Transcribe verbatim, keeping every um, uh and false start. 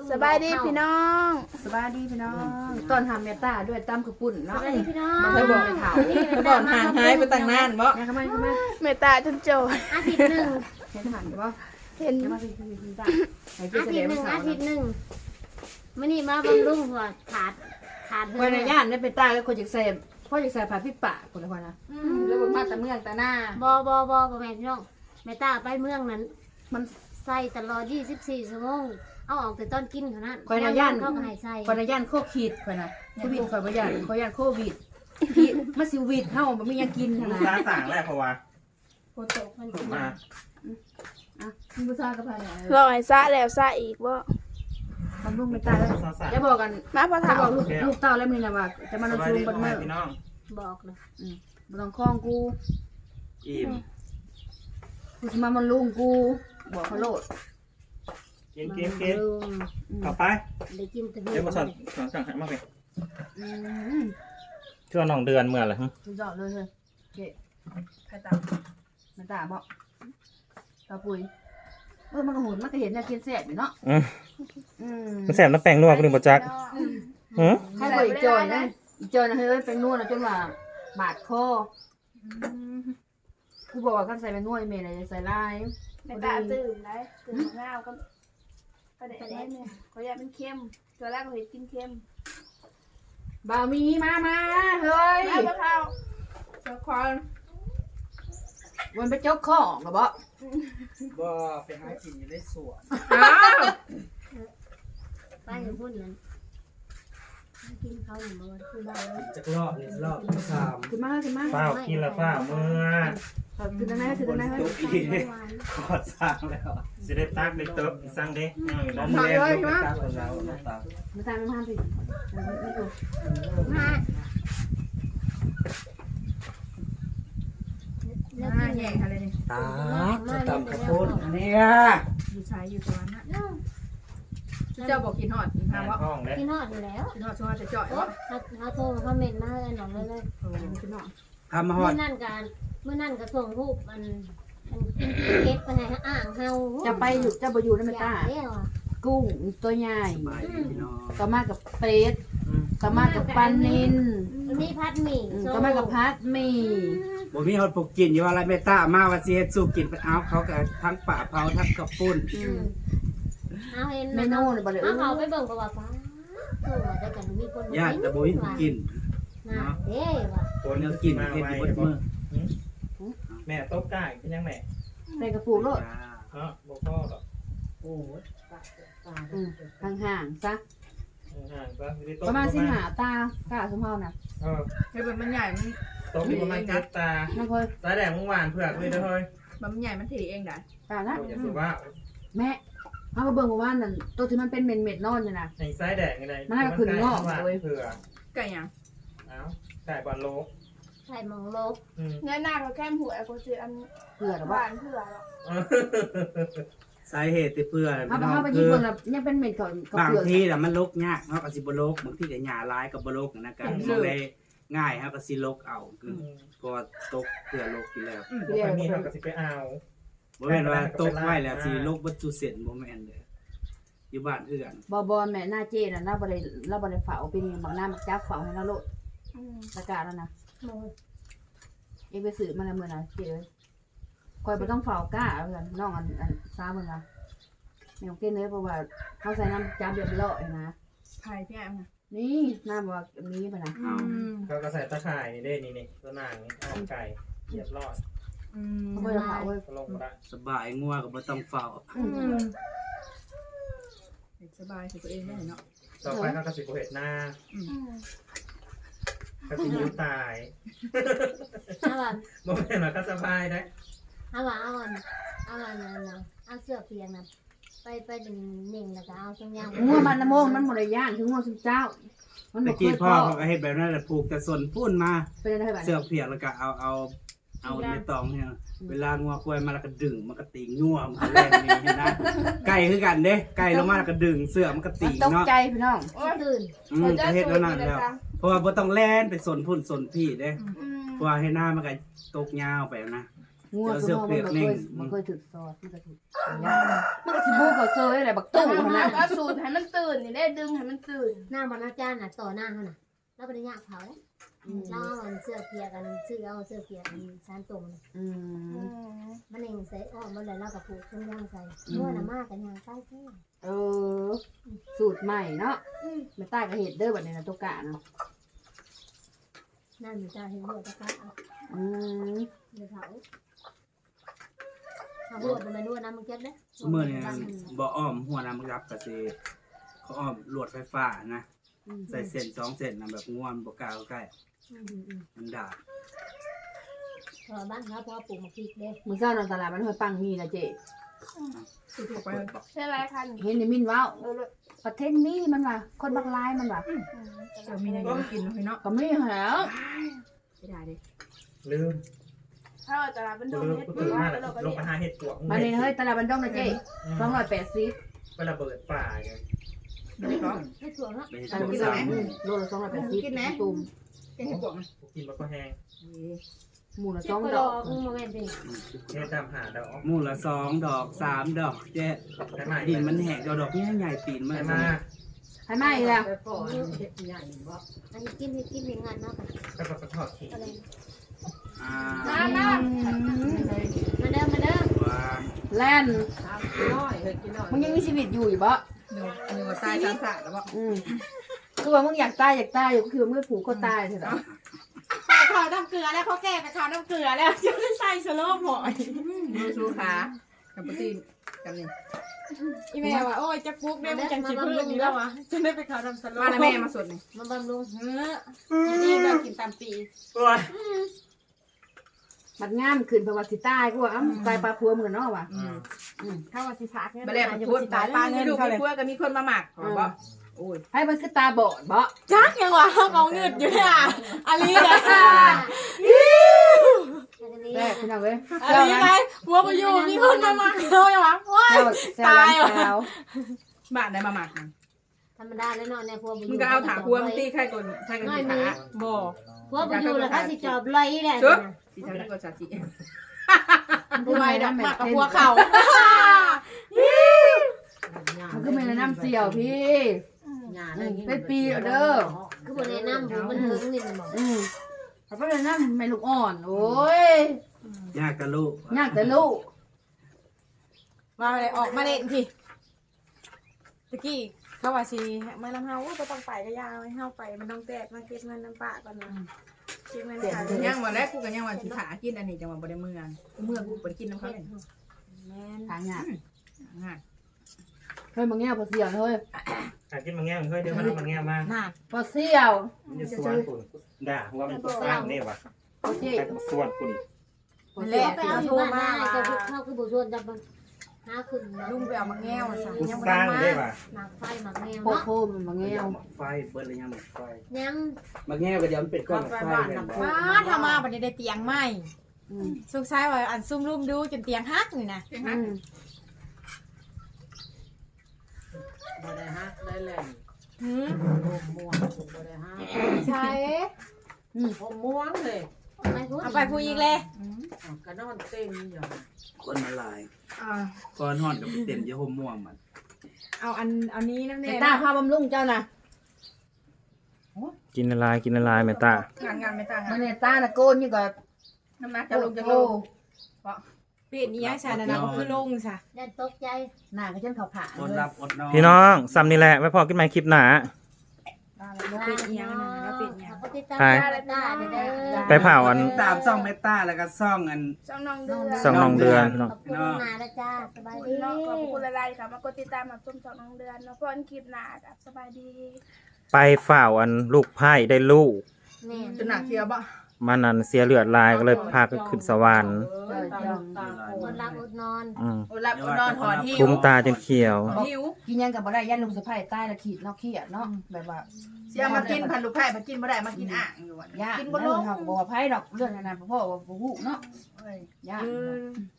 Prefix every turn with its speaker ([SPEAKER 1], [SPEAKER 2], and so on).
[SPEAKER 1] สบายดีพี่น้อง
[SPEAKER 2] สบายดีพี่น้องตอนทำเมตตาด้วยตำกระปุ่นเนาะ
[SPEAKER 3] สบายดีพี่น้อง
[SPEAKER 2] มันเคยบอกในข่าวเขาบอกห่างหายไปตั้งนานบ่เนี่ยทำไมทำไม
[SPEAKER 1] เมตตาจนโจร
[SPEAKER 3] อาทิตย์หนึ่ง
[SPEAKER 2] เห็นหันบ่
[SPEAKER 1] เห็น
[SPEAKER 2] เดี๋ยวมาสิสิสิจ้าไอ้
[SPEAKER 3] อา
[SPEAKER 2] เจ๊
[SPEAKER 3] ทิต
[SPEAKER 2] แสด
[SPEAKER 3] ย์
[SPEAKER 2] ง
[SPEAKER 3] หนึ่ง
[SPEAKER 2] ข่าว
[SPEAKER 3] อาทิตย์หนึ่งมื่อนี้มาบำรุงหัวขาดขาดเธ
[SPEAKER 2] วั
[SPEAKER 3] อน
[SPEAKER 2] ในย่านเนี่ยเป็นตาก็คนจากเซมพ่อจากเซมผ่าพี่ปะคนละคนนะแล้วบนมาตะเมืองตะหน้า
[SPEAKER 3] บอบอบอบอแม่พี่น้องแม่ตาไปเมืองนั้น มันใส่ตลอดยี่สิบสี่ชั่วโมงเอาออกแต่ตอนกินเท่านั้น
[SPEAKER 2] คนในย่าน
[SPEAKER 3] เขาก็ให้ใส่
[SPEAKER 2] คนในย่านโควิดคนนะโควิดคนในย่านคนย่านโควิดพี่มาซิวิดเฮามันไม่ยังกิน
[SPEAKER 4] ลู
[SPEAKER 2] นะ
[SPEAKER 4] กค้าต่างแรกเพราะว่า
[SPEAKER 3] โคตกมัน
[SPEAKER 4] ถูกมา
[SPEAKER 2] อ่ะมีผู้ชายกับใคร
[SPEAKER 1] รอให้ซะแล้วซะอีกบ่
[SPEAKER 2] ทำลูกไม่ตายแล้วจะบอกกัน
[SPEAKER 1] มาพอ
[SPEAKER 2] จะ
[SPEAKER 1] ถาม
[SPEAKER 2] บอกลูกลูกเต้าแล้วมึงนะว่าจะมา
[SPEAKER 4] ส
[SPEAKER 2] นอน
[SPEAKER 4] บาย
[SPEAKER 2] ชู
[SPEAKER 4] ดี
[SPEAKER 2] บน
[SPEAKER 4] พ่อ
[SPEAKER 2] เมื่
[SPEAKER 4] แม่
[SPEAKER 2] อ
[SPEAKER 4] พี่น้อง
[SPEAKER 3] บอกเลย
[SPEAKER 2] อืมบ่ต้องคล้องกู
[SPEAKER 4] อิ่ม
[SPEAKER 2] กูสิมามันลุงกูบอกเขาโลด
[SPEAKER 4] กินกินกิน
[SPEAKER 3] ลุง
[SPEAKER 4] เข้าไป
[SPEAKER 3] ได้กินแต่
[SPEAKER 4] เดี๋ยวมาสอนสอนสั่งให้มากเลย
[SPEAKER 2] อืม
[SPEAKER 4] ช่วงน้องเดือนเมื่อไหร่ฮะ
[SPEAKER 2] สุดยอดเลยเฮ้ยเจ๊ใครตามมันตาบอกตาปุยเออมันก็หุ่นมันก็เห็นเนี่ยกินแซ่บอยู่เนาะ
[SPEAKER 4] อืม
[SPEAKER 2] อืม
[SPEAKER 4] มันแสบน้ำแป้งนัวกูนึกบ่จักหือ
[SPEAKER 2] ใครบอกอีจอยนะอีจอยนะเฮ้ยเป็นนวดนะจนว่าบาดคอกูบอกว่าขั้นใส่เป็นนวดเมย์อะไรใส่ลาย
[SPEAKER 1] เมตตาตื่นได้ตื่นง่าวก็ประเด็นนี้เนี่ยเขาอยากเป็นเค็มตัวแรกเขาเห็นกินเค็ม
[SPEAKER 2] บ่าวมีมามาเฮ้ย
[SPEAKER 1] มาพอเท่าเจ้าควาน
[SPEAKER 2] มันไปจกของเหรอบ่
[SPEAKER 5] บ่ไปหากินอยู่ในสวน
[SPEAKER 2] อ้าว
[SPEAKER 3] ไปอยู่พุ่นนั้นกินเขาหนึ่งมื้อคือบ้านเลย
[SPEAKER 5] จักรอบนี่รอบที่สาม
[SPEAKER 2] ขึ้นมาขึ้นมา
[SPEAKER 4] เฝ้ากินละเฝ้าเมื่อ
[SPEAKER 2] ขึ้นตรงไหนขึ้นตรงไหนเฮ้ย
[SPEAKER 5] ตุ๊กอีขอดสร้างแล้ว
[SPEAKER 4] สิได้ตักได้เติบสั่งเด้เอาอยู่
[SPEAKER 5] น้
[SPEAKER 4] แล้
[SPEAKER 5] อ
[SPEAKER 4] ว
[SPEAKER 5] งแรงลูกไปตักคนแล้วน้องตา
[SPEAKER 2] มาทานมาทานสิไม่ดู
[SPEAKER 3] มา
[SPEAKER 2] มาแย่อะไรนี่
[SPEAKER 5] ตาจะตำข้าวปุ้นอันเนี้ย
[SPEAKER 2] อยู่ชายอยู่ตรงนั้นนะเจ้าบอกกินหอดกิน
[SPEAKER 4] แม่
[SPEAKER 2] ข้าววะ
[SPEAKER 4] ห้องเด้
[SPEAKER 3] กินฮอดอยู่แล้ว
[SPEAKER 2] กินหอดชัวร์จะจ่อยวะ
[SPEAKER 3] เขาเขาโทรมาคอมเมนต์มาให้หน่อยเลยเลย
[SPEAKER 2] โอ้กินหอด
[SPEAKER 5] ทำมาหอ
[SPEAKER 3] เมื่
[SPEAKER 5] ด
[SPEAKER 3] อนั่นการเมื่อนั่นก็ส่งรูปมันมันเก็บไปให้อ่างเฮา
[SPEAKER 2] จะไปอยู่จะไปอยู่ในเมตา
[SPEAKER 3] เรียกว่า
[SPEAKER 2] กุ้งตัวใหญ่
[SPEAKER 5] สบายดีพี่น้อง
[SPEAKER 2] ก็มากับเป็ดก็มากับปลานิน
[SPEAKER 3] นี่พัดหมี่
[SPEAKER 2] ก็มากับพัดหมี่
[SPEAKER 5] บ่มีฮอดปลูกกินอยู่ว่าอะไรเมตตามาว่าสิเฮ็ดสู้กินไปเอาเขาก็ทั้งป่าเผาทั้งข้าวปุ้น
[SPEAKER 3] เอาเห็น
[SPEAKER 2] เมนูเนี่ยบ่เลย
[SPEAKER 3] เอาเขาไปเบิ่งประวัติฟ้าคือว่าจะกันมีคน
[SPEAKER 5] ญาติแต่บ่มีผู้กิน
[SPEAKER 3] นะเด้ว่ะ
[SPEAKER 4] คน
[SPEAKER 5] เนื้อกิน
[SPEAKER 4] มา
[SPEAKER 5] เฮ็ด
[SPEAKER 4] ไว้
[SPEAKER 5] อยู่เบดมื้อ
[SPEAKER 4] แม่ตบก้ายเป็นยังแม่
[SPEAKER 2] ใส่กระปุกโลด
[SPEAKER 4] เนาะบ่พ่อหรอก
[SPEAKER 5] โอ้ย
[SPEAKER 2] ห่างๆซะ
[SPEAKER 4] ห่างๆก็ไม่ได้ตบ
[SPEAKER 2] ประมาณสิหาตากาสมเฮาน่ะ
[SPEAKER 4] เออ
[SPEAKER 1] เฮ้ยมันใหญ่มัน
[SPEAKER 4] ตบอยู่ประมาณเจ็ดตา
[SPEAKER 2] น้องค่อย
[SPEAKER 4] ตาแดงเมื่อวานเผือกเลยเด้อเฮ้ย
[SPEAKER 1] มันใหญ่มันถี่เองได้
[SPEAKER 2] ตาละ
[SPEAKER 4] อย่าสุว่า
[SPEAKER 2] แม่เฮาก็เบิ่งว่านั่นตัวที่มันเป็นเม็ดๆนอนอยู่น่ะ
[SPEAKER 4] ในไส้แดงอะไร
[SPEAKER 2] มันน่าจะขึ้นงอก
[SPEAKER 4] เล
[SPEAKER 2] เลย
[SPEAKER 4] ยเผื่อ
[SPEAKER 1] ไก่ยัง
[SPEAKER 4] เอ้าไก่บอลโลก
[SPEAKER 3] ใส่หมองลบ
[SPEAKER 4] อืม
[SPEAKER 1] เนื้อหน้าเขาแค่หัวไอ้โคซีอัน
[SPEAKER 2] เผื่อหรอ
[SPEAKER 1] ห
[SPEAKER 2] วะ
[SPEAKER 1] วานเผื่อหรอก
[SPEAKER 5] สาเหตุที่เพื่อ
[SPEAKER 2] เฮา
[SPEAKER 5] พี่
[SPEAKER 2] ไป
[SPEAKER 5] น้อ
[SPEAKER 2] เฮาง ไปยิ
[SPEAKER 5] คื
[SPEAKER 2] ง
[SPEAKER 5] อ
[SPEAKER 2] เบิ่งแล้วยังเป็นเม็ดก่อนกับบ
[SPEAKER 5] าง
[SPEAKER 2] เปลือก
[SPEAKER 5] ทีน่ะมันลกยากเฮาก็สิบ่ลกบางทีก็หญ้าหลายก็บ่ลกนะกันมองได้ง่ายเฮาก็สิลกเอาคือเพราะว่าตกเพื่อลกอยู่แล้ว
[SPEAKER 4] อืมบอกไปมีเขาก็สิไปเอา
[SPEAKER 5] บ่แม่นว่าตกไว้แล้วสิลกบ่จุเส้นบ่แม่นเด้ออยู่บ้านเอื้อน
[SPEAKER 2] บ่บ่แม่หน้าเจน่ะเราบ่ได้เราบ่ได้เฝ้าเป็นบางหน้ามักจับเฝ้าให้เราโลด
[SPEAKER 1] อืม
[SPEAKER 2] ประกาศแล้วนะ
[SPEAKER 3] โม
[SPEAKER 2] เองไปสืบมาแล้วมื้อน่ะเจเอ้ยคอยบ่ต้องเฝ้ากล้าเอากันน้องอันอันซ้ามึงอ่ะแม่ของเก้นเลยเพราะว่าเขาใส่น้ำจับเรียบร้อยนะ
[SPEAKER 1] ไผ่พี่แอมนะ
[SPEAKER 2] นี่น้ำว่ามีป่ะนะ
[SPEAKER 1] อืม
[SPEAKER 4] เขาก็ใส่ตะข่ายนี่เด้นี่นี่ตัวนางนี่อ้อมไก่เรียบร้อย
[SPEAKER 1] อืม
[SPEAKER 2] เขาบ่ได้เฝ้าเว้ย
[SPEAKER 4] ก็ลงมาได้
[SPEAKER 5] สบายงัวก็บ่ต้องเฝ้า
[SPEAKER 1] อืมสบายคือตัวเองได้เนาะ
[SPEAKER 4] ต่อไปเขาก็สิบเห็ดหน้า
[SPEAKER 1] อืม
[SPEAKER 4] ก็สิยิ้มตาย
[SPEAKER 3] เอาวัน
[SPEAKER 4] บ่แม่นว่าก็สบายได้
[SPEAKER 3] เอาวันเอาวันเอาวันนะเอาเสื้อเพียงนะไปไปดึงหนิ่งแล้วก็เอาตรงยาง
[SPEAKER 2] งัวมันนะโมงมันบ่ได้ย่างถึงงัวซุเจ้า มัน
[SPEAKER 5] ตะ
[SPEAKER 2] บ่เค
[SPEAKER 5] กี้
[SPEAKER 2] ย
[SPEAKER 5] พ่
[SPEAKER 2] พ่
[SPEAKER 5] อ
[SPEAKER 2] อ
[SPEAKER 5] เขาก็เฮ็ดแบบนั้นแหละปลูกแต่ส่วนพุ่นมา
[SPEAKER 2] เป็นอะไรแบบ
[SPEAKER 5] เสือกเพียกแล้วก็เอาเอาเอาในตองเนี่ยเวลางัวควายมาแล้วก็ดึงมันก็ตีงัวมันก็แล่นนี่เห็นนะไก่คือกันเด้ไก่ลงมาแล้วก็ดึงเสือกมันก็ตี
[SPEAKER 2] ตก
[SPEAKER 5] เนาะ
[SPEAKER 2] ใจพี่น้อง
[SPEAKER 3] ตื่น
[SPEAKER 5] อืมก็เฮ็ดแล้วนั่นแล้วเพราะว่าบ่ต้องแล่นไปสนพุ่นสนพี่เด้
[SPEAKER 1] อืม
[SPEAKER 5] เพราะว่าให้หน้ามันก็ตกยาวไปนะ
[SPEAKER 2] งัวคือมันบ่เคยมันเคยถึกซอสมันก็ถึกมันก็สิบูก็เซยอะไรบัก
[SPEAKER 1] ตู้
[SPEAKER 2] ตู้
[SPEAKER 1] ข
[SPEAKER 2] ข
[SPEAKER 1] นา
[SPEAKER 2] นา
[SPEAKER 1] ด
[SPEAKER 2] ด
[SPEAKER 1] ก็สูตรให้มันตื่นนี่ได้ดึงให้มันตื่น
[SPEAKER 3] หน้ามันอาจารย์น่ะต่อหน้าเขาน่ะแล้วบ่ได้ยากเผาเราเอาอันเสื้อเกียร์กันชื่อเอาเสื้อเกียร์กันชานตรงน่ะ
[SPEAKER 2] อืม
[SPEAKER 3] มันเองใส่อ้อมมันเลยแล้วก็ผูกเครื่องย่างใส่นวดน่ะมากกันย่างใต้เส้น
[SPEAKER 2] เออสูตรใหม่เนาะแม่ใต้ก็เฮ็ดเด้อบัดนี้นะตุกะเนาะ
[SPEAKER 3] นั่นอยู่จ้าเห็นหัวตะกะเอา
[SPEAKER 2] อืม
[SPEAKER 3] เดี๋ยวเผาเอาหัวมันมานวดน้ำมันเก็บเด้
[SPEAKER 5] สมมือเนี่ยบ่อ้อมหัวน้ำรับก็สิเขาอ้อมลวดไฟฟ้านะใส่เส้นสองเส้นนะแบบง่วงบ่กล้าเข้าใกล้
[SPEAKER 3] อืมอืม
[SPEAKER 5] มันดาด
[SPEAKER 3] พอบ้านเขาพอปลูกมะพริกเด้
[SPEAKER 2] มื้อเช้านอนตลาดมันห้วยปังมีนะเจ๊
[SPEAKER 1] ใช่ไรคัน
[SPEAKER 2] เห็นในมินว้าวประเทศนี้มันว่าคนบักลายมันว่า
[SPEAKER 6] เดี๋ยวมีอะไรอยู่กินพี่เนาะ
[SPEAKER 2] ก็มีแล้ว
[SPEAKER 6] ไม่ได้เด้
[SPEAKER 4] ลืม
[SPEAKER 1] ถ้าตลาดเป็นดง
[SPEAKER 4] ลืม
[SPEAKER 1] เฮ็ด
[SPEAKER 4] กู
[SPEAKER 1] ปื
[SPEAKER 4] ตื่
[SPEAKER 1] น
[SPEAKER 4] นมา
[SPEAKER 1] แล้
[SPEAKER 4] แล้ว ว
[SPEAKER 1] เราก็
[SPEAKER 4] ล
[SPEAKER 1] เรี
[SPEAKER 4] ง
[SPEAKER 1] ยก
[SPEAKER 4] ไปหาเห็ดปวก
[SPEAKER 2] มานี่เฮ้ยตลาดบันดงนะเจ๊สองร้อยแปดสิบ
[SPEAKER 4] ไประเบิดป่าไง
[SPEAKER 6] ไม่ได้ก็
[SPEAKER 3] ให้ถั่วเนาะ
[SPEAKER 5] ไปเฮ็ด
[SPEAKER 2] ตลาด
[SPEAKER 5] พว
[SPEAKER 2] บั
[SPEAKER 5] ก
[SPEAKER 2] นด
[SPEAKER 5] สาง ม
[SPEAKER 2] อืมโลละสองร้อยแปดสิบตุ่ม
[SPEAKER 6] แกเห็นบอกมั้ย
[SPEAKER 4] กูกินมันก็แห้ง
[SPEAKER 2] หมูละ
[SPEAKER 3] เจ็
[SPEAKER 2] ส
[SPEAKER 3] บ
[SPEAKER 2] อง
[SPEAKER 3] ก็
[SPEAKER 2] ด
[SPEAKER 3] ด
[SPEAKER 2] อ
[SPEAKER 3] อก กโมเมนต์ดิ
[SPEAKER 4] เฮ็ดตามหาดอก
[SPEAKER 5] มูละสองดอกสามดอกเจ๊
[SPEAKER 4] ได้มา
[SPEAKER 5] ดินมันแหกดอกดอกใหญ่ๆตีนมัน
[SPEAKER 4] ได้มา
[SPEAKER 2] ให้มาอีกแล้ว
[SPEAKER 3] อันนี้กินให้กินให้งานเนาะค่ะ
[SPEAKER 4] ก็แบบกระทอดขี้
[SPEAKER 3] อะไร
[SPEAKER 5] อ่า
[SPEAKER 1] มามา
[SPEAKER 3] มาเด้อมาเด้อ
[SPEAKER 5] ว่า
[SPEAKER 2] แล่นมึงยังมีชีวิตอยู่อยู่บ่
[SPEAKER 6] เดี๋ยวเดี๋ยวตายสามสามแล้วบอก
[SPEAKER 2] อืมคือว่ามึงอยากตายอยากตายอยู่ก็คือมึงผูกคอตายเถอะ
[SPEAKER 6] ใส่ข้าวน้ำเกลือแล้วเขาแก้ไปข้าวน้ำเกลือแล้วจะไม่ใส่สโลมหอยดูชูขากับปตีนกันนี่อีแม่ว่าโอ้ยจะปุ๊กได้มันจังสิพื้นอยู่แล้ววะจะได้ไปข้าวน้ำสโลมมาแล้วแม่มาสดนี่
[SPEAKER 3] มาบำรุง
[SPEAKER 6] เออนี่เรากินตามปี
[SPEAKER 4] โอ้ย
[SPEAKER 2] มันงามขึ้นเพราะว่าสิตายกูว่าอ้ำตายปลาพัวมึงเนาะว่ะ
[SPEAKER 6] อืม
[SPEAKER 2] เข้าว่าสิพักเนี่ย
[SPEAKER 6] มาแล้วพูดตายปลาเงินเขาเลยพวกก็มีคนมาหมักบอกโอ้ย
[SPEAKER 2] ให้มันคือตาบอดบ่
[SPEAKER 6] จักยังวะเขาเงินอยู่เนี่ยอันนี้นะ
[SPEAKER 2] แรกพี่น้องเว้ย
[SPEAKER 6] อันนี้ไงหัวประยูมีคนมาหมักเลยว่ะว้าย
[SPEAKER 2] แซวร้านแซว
[SPEAKER 6] บ้านได้มาหมัก
[SPEAKER 3] ธรรมดาแล้วเนาะในพวก
[SPEAKER 6] มึงก็เอาถาพัวมึงตีใครก่อนใครก่อนสิขาบ่
[SPEAKER 3] พวกอยู่แล้วเขาสิจอบลอยแหละ
[SPEAKER 6] ชุดสิทำก่อนสาธิตผู้ใหม่ดอกหมักกับหัวเข่า
[SPEAKER 2] มันคือแม่น้ำเสี่ยวพี่เป็นปีเด้อ
[SPEAKER 3] คือบ่แนะนำผมมันเฮิงนี่มันบอก
[SPEAKER 2] อืมเขาก็เลยน้ำแม่ลูกอ่อนโอ้ย
[SPEAKER 5] ยากกับลูก
[SPEAKER 2] ยากแต่ลูก
[SPEAKER 6] มาเลยออกมาเล่นทีตะกี้เขาว่าสิมาน้ำเฮาว่าต้องไปก็ยาวให้เฮาไปมันต้องแตกมาเก็บเงินน้ำปะก่อนนะเก็บเงินขายังวันแรกกูก็ยังวันสิขากินอันนี้จังหวะบ่ได้เมื่อเมื่อกูเปิดกินน้ำเขาเลยแม่น
[SPEAKER 2] ทางยาก
[SPEAKER 6] ง่าย
[SPEAKER 2] เฮ้ยมึงแง่พอเสี่ยวเฮ้ย
[SPEAKER 4] หากินมังแง่มันเฮ้ยเดี๋ยวมันมังแง่มา
[SPEAKER 6] น่า
[SPEAKER 2] พอเสี่ยว
[SPEAKER 4] มันจะสวนคุณด่าว่ามันสร้างนี่วะ
[SPEAKER 2] พอเจ๊
[SPEAKER 4] ใครสวนคุณ
[SPEAKER 6] แหละ
[SPEAKER 3] ไปเอาอยู่บ้านได้ก็เข้าคือบ่ชวนจับมันหาขึ้น
[SPEAKER 6] ลุงไปเอามาแง่วซะ
[SPEAKER 4] กู
[SPEAKER 6] ยัง
[SPEAKER 4] ส
[SPEAKER 6] บ่
[SPEAKER 4] ร้าง
[SPEAKER 6] ได้
[SPEAKER 4] ได้
[SPEAKER 6] มา
[SPEAKER 4] ปะ
[SPEAKER 3] หมากไฟหมากแมว
[SPEAKER 2] โค
[SPEAKER 3] เนาะ
[SPEAKER 2] โคมันมาแง่
[SPEAKER 5] หมักไฟเบิดเลยยังหมักไฟ
[SPEAKER 3] ยัง
[SPEAKER 5] หมักแง่ก็เดี๋ยวมันเป็นก้อนหมักไฟเลย
[SPEAKER 6] ว้าถ้ามาบัดนี้ได้เตียงใหม่
[SPEAKER 2] อืม
[SPEAKER 6] สุกซ้ายว่าอันซุ่มรุมดูจนเตียงฮักนี่นะ
[SPEAKER 2] อืม
[SPEAKER 7] บ่ได้ฮักได้แหล่ง
[SPEAKER 6] หืม
[SPEAKER 7] ผมม่วงบ่ได้ฮัก
[SPEAKER 6] ใช่
[SPEAKER 7] ผมม่วงเลย
[SPEAKER 3] ไปพูด
[SPEAKER 6] เอาไปพูดอีกเลย
[SPEAKER 7] อ้าวก็นอนเต็มอยู่
[SPEAKER 5] คนมาลาย
[SPEAKER 6] อ่า
[SPEAKER 5] ก้อนห่อนกับเต็มเยอะห่มม่วงมัน
[SPEAKER 6] เอาอันเอานี้น้ำ
[SPEAKER 2] แต่
[SPEAKER 6] เน่
[SPEAKER 2] ตาพาบำรุงเจ้านะ
[SPEAKER 4] กินอะไรกินอะไรแม่ตาง
[SPEAKER 6] านงานไม่ต่าง
[SPEAKER 2] มั
[SPEAKER 6] กัน น
[SPEAKER 2] เนี่ยตาน่ะโกนอยู่กับ
[SPEAKER 6] น้ำหนัก
[SPEAKER 2] โก
[SPEAKER 6] จะลงจะล
[SPEAKER 2] โก้
[SPEAKER 6] งเปลี่ยนนี้ยังชานะนะก็คือลงซะ
[SPEAKER 3] ได้ตกใจ
[SPEAKER 2] หน้าก็เช่นเขาผ่า
[SPEAKER 5] อดรับอดนอน
[SPEAKER 4] พี่น้องซ้ำนี่แหละไม่พอกินไหมคลิปหนา
[SPEAKER 6] เราเปลี่ยนอีหยังนะเราเปลี่ยนอีหยัง
[SPEAKER 3] เขาติดตาม
[SPEAKER 4] ใช่
[SPEAKER 3] ได้ได้เด้อ
[SPEAKER 4] ไปเผาอัน
[SPEAKER 5] ตามซ่องเมตาแล้วก็ซ่องอัน
[SPEAKER 1] ช่องน้องเดือน
[SPEAKER 4] สองน้องเดือนพี่น้อง
[SPEAKER 3] ขอบคุณนาแล้วจ้าสบาย
[SPEAKER 1] ขอบ
[SPEAKER 3] ดี
[SPEAKER 1] คุณเนาะขอบคุณอะไรค่ะมากดติดตามมาชมช่องน้องเดือนเนาะเพื่อนคลิปหน้ากับสบายดี
[SPEAKER 4] ไปฝ่าอันลูกไพ่ได้ลูก
[SPEAKER 3] แม่
[SPEAKER 6] จนหนักเทียวบ่
[SPEAKER 4] มันนั้นเสียเลือดลายก็เลยพาก็ขึ้นสวรรค์
[SPEAKER 3] คนรักอดนอน
[SPEAKER 4] อืม
[SPEAKER 6] อดหลับอดนอนถอนหิว
[SPEAKER 4] คุ้มตาจนเขียว
[SPEAKER 6] หิว
[SPEAKER 2] กินยังกับบ่ได้ยันลุงสะพ้ายใต้ละขีดเนาะเครียดเนาะแบบว่า
[SPEAKER 6] เสียมากินพันลูกไผ่มากินบ่ได้มากินอ่างอยู่อ่ะ
[SPEAKER 2] ยาก
[SPEAKER 6] กิน
[SPEAKER 2] บ่
[SPEAKER 6] บ่
[SPEAKER 2] ล
[SPEAKER 6] ล
[SPEAKER 2] ง
[SPEAKER 6] ง
[SPEAKER 2] เขาบอกว่าไผดอกเรื่องนั้นน่ะพ่อว่าบ่ฮู้เนาะ
[SPEAKER 6] เอ้ย
[SPEAKER 2] ยาก
[SPEAKER 6] เออ